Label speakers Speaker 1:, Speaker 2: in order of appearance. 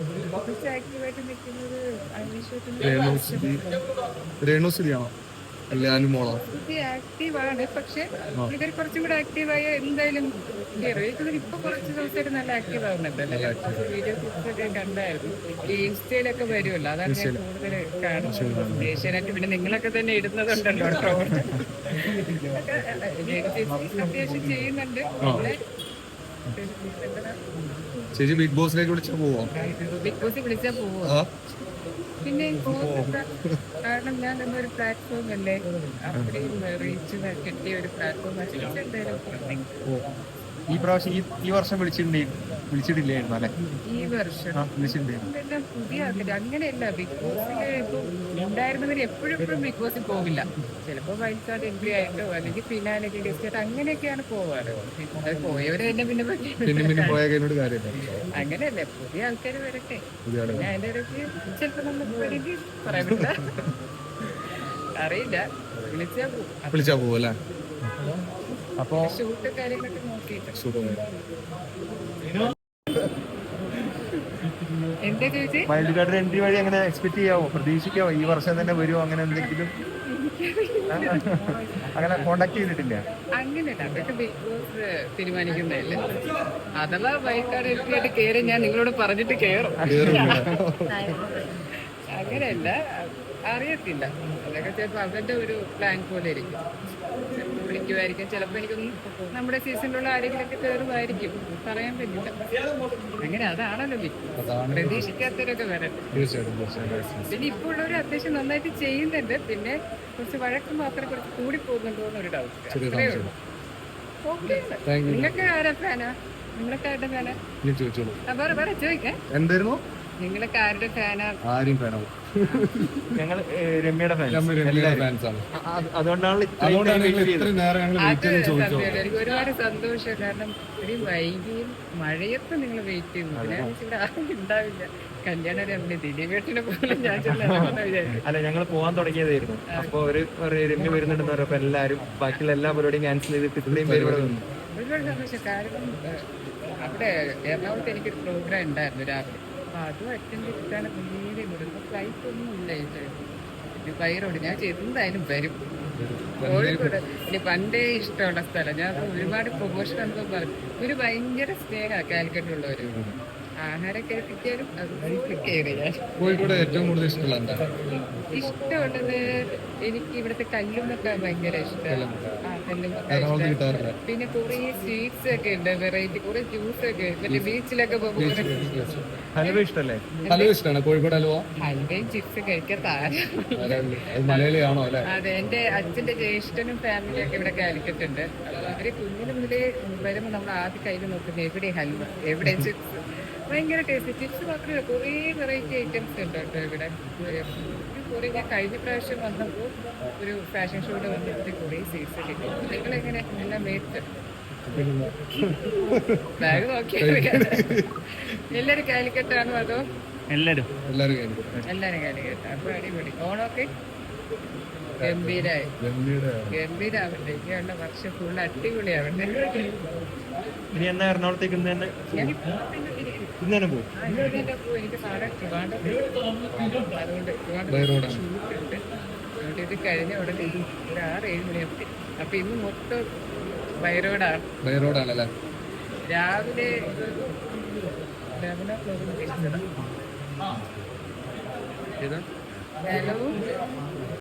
Speaker 1: കുറച്ച് ആക്റ്റീവായിട്ട് നിൽക്കുന്നത്
Speaker 2: രേണുസുതി രേണുസുതിയാണോ അല്ലെ അനുമോളോ?
Speaker 1: ആക്റ്റീവാണ്. പക്ഷെ
Speaker 2: ആ
Speaker 1: പുള്ളിക്കാരി കുറച്ചും കൂടെ ആക്റ്റീവായ എന്തായാലും കേറും. എനിക്കൊന്നും ഇപ്പൊ കുറച്ച് ദിവസമായിട്ട് നല്ല ആക്റ്റീവ് ആവുന്നുണ്ടല്ലോ.
Speaker 2: നല്ല
Speaker 1: കുറച്ച് വീഡിയോ ക്ലിപ്സ് ഒക്കെ കണ്ടായിരുന്നു. ഈ ഇൻസ്റ്റയിലൊക്കെ വരുമല്ലോ, അതാണ് ഞാൻ
Speaker 2: ആക്റ്റീവ്
Speaker 1: കൂടുതൽ കാണുന്നത്. ഏഷ്യാനെറ്റ് പിന്നെ നിങ്ങളൊക്കെ തന്നെ ഇടുന്നതുണ്ടല്ലോ ട്രോൾ. അത്യാവശ്യം ചെയ്യുന്നുണ്ട്.
Speaker 2: ആ ചേച്ചി ബിഗ് ബോസിലേക്ക് വിളിച്ചാൽ പോവോ?
Speaker 1: ബിഗ് ബോസ് വിളിച്ചാൽ പോവോ?
Speaker 2: ആ
Speaker 1: പിന്നെ പോകുന്നുണ്ട്. കാരണം ഞാൻ എന്നൊരു പ്ലാറ്റ്ഫോം അല്ലേ, അത്രയും റീച്ച് കിട്ടിയ ഒരു പ്ലാറ്റ്ഫോം എന്തായാലും
Speaker 2: ഓ
Speaker 3: ഈ പ്രാവശ്യം ഈ വർഷം വിളിച്ചിട്ടില്ലായിരുന്നു അല്ലെ?
Speaker 1: ഈ വർഷം
Speaker 3: വിളിച്ചിട്ടുണ്ടായിരുന്നു.
Speaker 1: ഇതെല്ലാം പുതിയ ആൾക്കാര്. അങ്ങനെയല്ല, ബിഗ് ബോസില് ഇപ്പം ഉണ്ടായിരുന്നവര് എപ്പോഴും ബിഗ് ബോസിൽ പോകില്ല. ചിലപ്പോ വൈൽഡ് കാർഡ് എൻട്രി ആയിട്ടോ അല്ലെങ്കിൽ ഫിനാലൊക്കെ ഗസ്റ്റ് ആയിട്ട് അങ്ങനെയൊക്കെയാണ് പോവാറ്. അത് പോയവര് തന്നെ പിന്നെ
Speaker 2: പിന്നെ പിന്നെ പോയ കഴിഞ്ഞോട് കാര്യമില്ല.
Speaker 1: അങ്ങനെയല്ലേ, പുതിയ ആൾക്കാർ വരട്ടെ.
Speaker 2: പുതിയ ആളുകൾ
Speaker 1: പിന്നെ അതിന്റെ ഇടയ്ക്ക് ചിലപ്പോ നമുക്ക് വേണമെങ്കിൽ പറയാൻ പറ്റില്ല, അറിയില്ല.
Speaker 2: വിളിച്ചാ പോവും അല്ലേ?
Speaker 3: അപ്പൊ
Speaker 1: ഷൂട്ട് കാര്യങ്ങളൊക്കെ നോക്കിയിട്ട് എന്താ ചോദിച്ചേ?
Speaker 3: വൈൽഡ് കാർഡ് എൻട്രി വഴി അങ്ങനെ എക്സ്പെക്ട് ചെയ്യാവോ, പ്രതീക്ഷിക്കാവോ ഈ വർഷം തന്നെ വരുമോ അങ്ങനെ എന്തെങ്കിലും? അങ്ങനെ കോണ്ടാക്ട് ചെയ്തിട്ടില്ല?
Speaker 1: അങ്ങനെയല്ല, അതൊക്കെ ബിഗ് ബോസ് തീരുമാനിക്കുന്നതല്ലേ. അഥവാ വൈകാട് എത്തിയായിട്ട് കയറി ഞാൻ നിങ്ങളോട് പറഞ്ഞിട്ട് കയറും. അങ്ങനെയല്ല, അറിയത്തില്ല. അതൊക്കെ ചിലപ്പോൾ അവരുടെ ഒരു പ്ലാൻ പോലെ ഇരിക്കും. ചിലപ്പോൾ വിളിക്കുമായിരിക്കും, ചിലപ്പോൾ എനിക്കൊന്നും നമ്മുടെ സീസണിലുള്ള ആരെങ്കിലൊക്കെ കയറുമായിരിക്കും, പറയാൻ പറ്റില്ല. അങ്ങനെ അതാണല്ലോ ബിഗ് ബോസ്, പ്രതീക്ഷിക്കാത്തവരൊക്കെ വരട്ടെ. പിന്നെ ഇപ്പോൾ ഉള്ളവർ അത്യാവശ്യം നന്നായിട്ട് ചെയ്യുന്നുണ്ട്. പിന്നെ കുറച്ച് വഴക്ക് മാത്രം കുറച്ച് കൂടി പോകുന്നുണ്ടോ എന്നൊരു ഡൗട്ട്, അത്രേ ഉള്ളൂ. ഓക്കെ, നിങ്ങൾക്ക് ആരാ ഫാനാ? നിങ്ങളൊക്കെ ആരുടെ ഫാനാ? വേറെ ചോദിക്കേ,
Speaker 2: എന്തായിരുന്നു?
Speaker 1: നിങ്ങളൊക്കെ ആരുടെ ഫാനാ?
Speaker 2: ആരും ഫാനാവും.
Speaker 3: ഞങ്ങൾ രമ്യയുടെ
Speaker 2: ഫാൻസാണ്.
Speaker 3: അതുകൊണ്ടാണ്
Speaker 2: ഇത്രയും നേരം ഞങ്ങൾ
Speaker 1: അത്
Speaker 2: വെയിറ്റ് ചെയ്ത് ചോദിച്ചോ.
Speaker 1: സത്യമായിട്ട് എനിക്ക് ഒരുപാട് സന്തോഷം. കാരണം ഒരു വൈകിയും മഴയത്ത് നിങ്ങൾ വെയിറ്റ് ചെയ്യുന്നു. ഇവിടെ ആരും ഉണ്ടാവില്ല. കല്യാണം രമ്യ ദിലീപേട്ടിനെ പോലും ഞാൻ വിചാരിച്ചു.
Speaker 3: അല്ല, ഞങ്ങൾ പോകാൻ തുടങ്ങിയതായിരുന്നു. അപ്പൊ ഒരു രമ്യ വരുന്നുണ്ടെന്ന് പറഞ്ഞപ്പോ എല്ലാരും ബാക്കിയുള്ള എല്ലാ പരിപാടിയും ക്യാൻസൽ ചെയ്തിട്ട് ഇത്രയും പേര് ഇവിടെ വന്നു.
Speaker 1: ഒരുപാട് സന്തോഷം. കാരണം അവിടെ എറണാകുളത്ത് എനിക്കൊരു പ്രോഗ്രാം ഉണ്ടായിരുന്നു രാവിലെ. അപ്പൊ അതും അറ്റൻഡ് ചെയ്തിട്ടാണ് നേരെ വിടുന്നത്. ഫ്ലൈറ്റ് ഒന്നും ഇല്ല. വൈറോട് ഞാൻ എന്തായാലും വരും. കോഴിക്കോട് ഇനി പണ്ടേ ഇഷ്ടമുള്ള സ്ഥലം. ഞാൻ ഒരുപാട് പ്രൊമോഷൻ എന്തോ പറഞ്ഞു. ഒരു ഭയങ്കര സ്നേഹമാണ് കാലിക്കറ്റുള്ളവര്. ആഹാരം കഴിപ്പിക്കാനും അത് കയറി. ഞാൻ
Speaker 2: കോഴിക്കോട് ഏറ്റവും കൂടുതൽ ഇഷ്ടമുള്ള എന്താ?
Speaker 1: ഇഷ്ടമുള്ളത് എനിക്ക് ഇവിടുത്തെ കല്ലുമ്മക്ക ഭയങ്കര ഇഷ്ടമാണ്.
Speaker 2: എറണാകുളത്ത് കിട്ടാറില്ല.
Speaker 1: പിന്നെ കുറെ സ്വീറ്റ്സ് ഒക്കെ ഉണ്ട്, വെറൈറ്റി കുറെ ജ്യൂസ് ഒക്കെ. മറ്റേ ബീച്ചിലൊക്കെ പോകുമ്പോൾ
Speaker 3: ഹലുവ ഇഷ്ടല്ലേ?
Speaker 2: ഹലുവ ഇഷ്ടമാണ്. കോഴിക്കോട് ഹലുവ
Speaker 1: ഹൽവയും ചിപ്സും കഴിക്കാത്ത
Speaker 2: മലയാളിയാണോ അല്ലെ?
Speaker 1: അതെ, എന്റെ അച്ഛന്റെ ജ്യേഷ്ഠനും ഫാമിലിയും ഒക്കെ ഇവിടെ കാലിക്കറ്റുണ്ട്. അപ്പൊ അവര് കുഞ്ഞിന് മുതലേ വരുമ്പോൾ നമ്മൾ ആദ്യം കയ്യിൽ നോക്കുന്നത് എവിടെ ഹൽവ, എവിടെ ചിപ്സ്. ഭയങ്കര ടേസ്റ്റ്. ചിപ്സ് മാത്രമല്ല, കുറേ വെറൈറ്റി ഐറ്റംസ് ഉണ്ട് കേട്ടോ ഇവിടെ. കുറേ ഞാൻ കഴിഞ്ഞ പ്രാവശ്യം വന്നപ്പോൾ ഒരു ഫാഷൻ ഷോയുടെ വന്നിട്ട് കുറേ സ്വീറ്റ്സ് കിട്ടി. നിങ്ങളെങ്ങനെ എല്ലാം മേടിച്ചു? ബാഗ് നോക്കിയാൽ എല്ലാരും കാലിക്കറ്റാണോ അതോ?
Speaker 3: എല്ലാരും
Speaker 1: എല്ലാരും കാലിക്കറ്റ്. അപ്പൊ അടിപൊളി. ഓണമൊക്കെ ഗംഭീരാവട്ടെ. ഇനിയുള്ള വർഷം ഫുള്ള് അടിപൊളിയാവട്ടെ.
Speaker 3: ഇനി എന്നാ എറണാകുളത്തേക്ക് ഇന്ന് തന്നെ പോകും?
Speaker 1: എനിക്ക് നാളെ ട്രിവാൻഡ്രം, അതുകൊണ്ട് ഷൂട്ടുണ്ട്. അതുകൊണ്ട് ഇത് കഴിഞ്ഞ ഉടനെ ഒരു 6-7 മണിയാകും. അപ്പൊ ഇന്ന് മൊത്തം
Speaker 2: ബൈറോഡാണല്ലേ?
Speaker 1: രാവിലെ 11 o'clock. ഹലോ.